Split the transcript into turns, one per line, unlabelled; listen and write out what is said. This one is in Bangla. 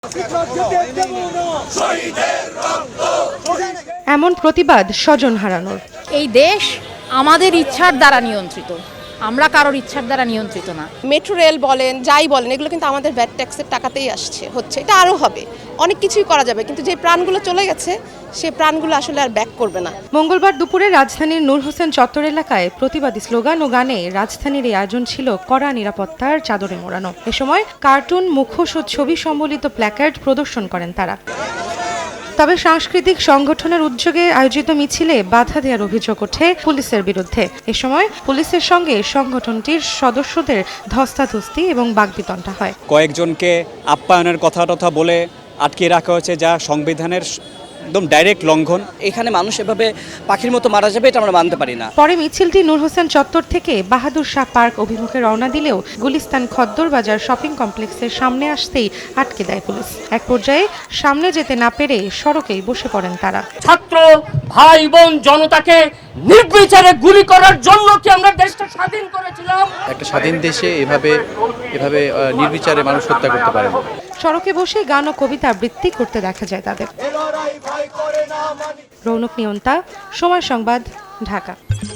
এমন প্রতিবাদ স্বজন হারানোর।
এই দেশ আমাদের ইচ্ছার দ্বারা নিয়ন্ত্রিত, আমরা কারোর ইচ্ছার দ্বারা নিয়ন্ত্রিত না।
মেট্রো রেল বলেন, যাই বলেন, এগুলো কিন্তু আমাদের ভ্যাট ট্যাক্সের টাকাতেই হচ্ছে। এটা আরও হবে, অনেক কিছুই করা যাবে, কিন্তু যে প্রাণগুলো চলে গেছে সেই প্রাণগুলো আসলে আর ব্যাক করবে না।
মঙ্গলবার দুপুরে রাজধানীর নূর হোসেন চত্বর এলাকায় প্রতিবাদী স্লোগান ও গানে রাজধানীর এই আয়োজন ছিল কড়া নিরাপত্তার চাদরে মোড়ানো। এ সময় কার্টুন, মুখোশ ও ছবি সম্বলিত প্ল্যাকার্ড প্রদর্শন করেন তারা। তবে সাংস্কৃতিক সংগঠনের উদ্যোগে আয়োজিত মিছিলে বাধা দেওয়ার অভিযোগ ওঠে পুলিশের বিরুদ্ধে। এ সময় পুলিশের সঙ্গে সংগঠনটির সদস্যদের ধস্তাধস্তি এবং বাগবিতণ্ডা হয়।
কয়েকজনকে আপ্যায়নের কথা বলে আটকে রাখা হয়েছে, যা সংবিধানের একদম ডাইরেক্ট লঙ্ঘন।
এখানে মানুষ এভাবে পাখির মতো মারা যাবে, এটা আমরা মানতে পারি না।
পরে মিছিলটি নূর হোসেন চত্বর থেকে বাহাদুর শাহ পার্ক অভিমুখে রওনা দিলেও গুলিস্তান খদ্দর বাজার শপিং কমপ্লেক্সের সামনে আসতেই আটকে দেয় পুলিশ। এক পর্যায়ে সামনে যেতে না পেরে সড়কেই বসে পড়েন তারা।
ছাত্র ভাই বোন জনতাকে নির্বিচারে গুলি করার জন্য কি আমরা দেশটা স্বাধীন করেছিলাম?
একটা স্বাধীন দেশে এভাবে নির্বিচারে মানুষ হত্যা করতে পারে না।
সড়কে বসে গান ও কবিতা আবৃত্তি করতে দেখা যায় তাদের। রৌনক নিয়ন্তা, সময় সংবাদ, ঢাকা।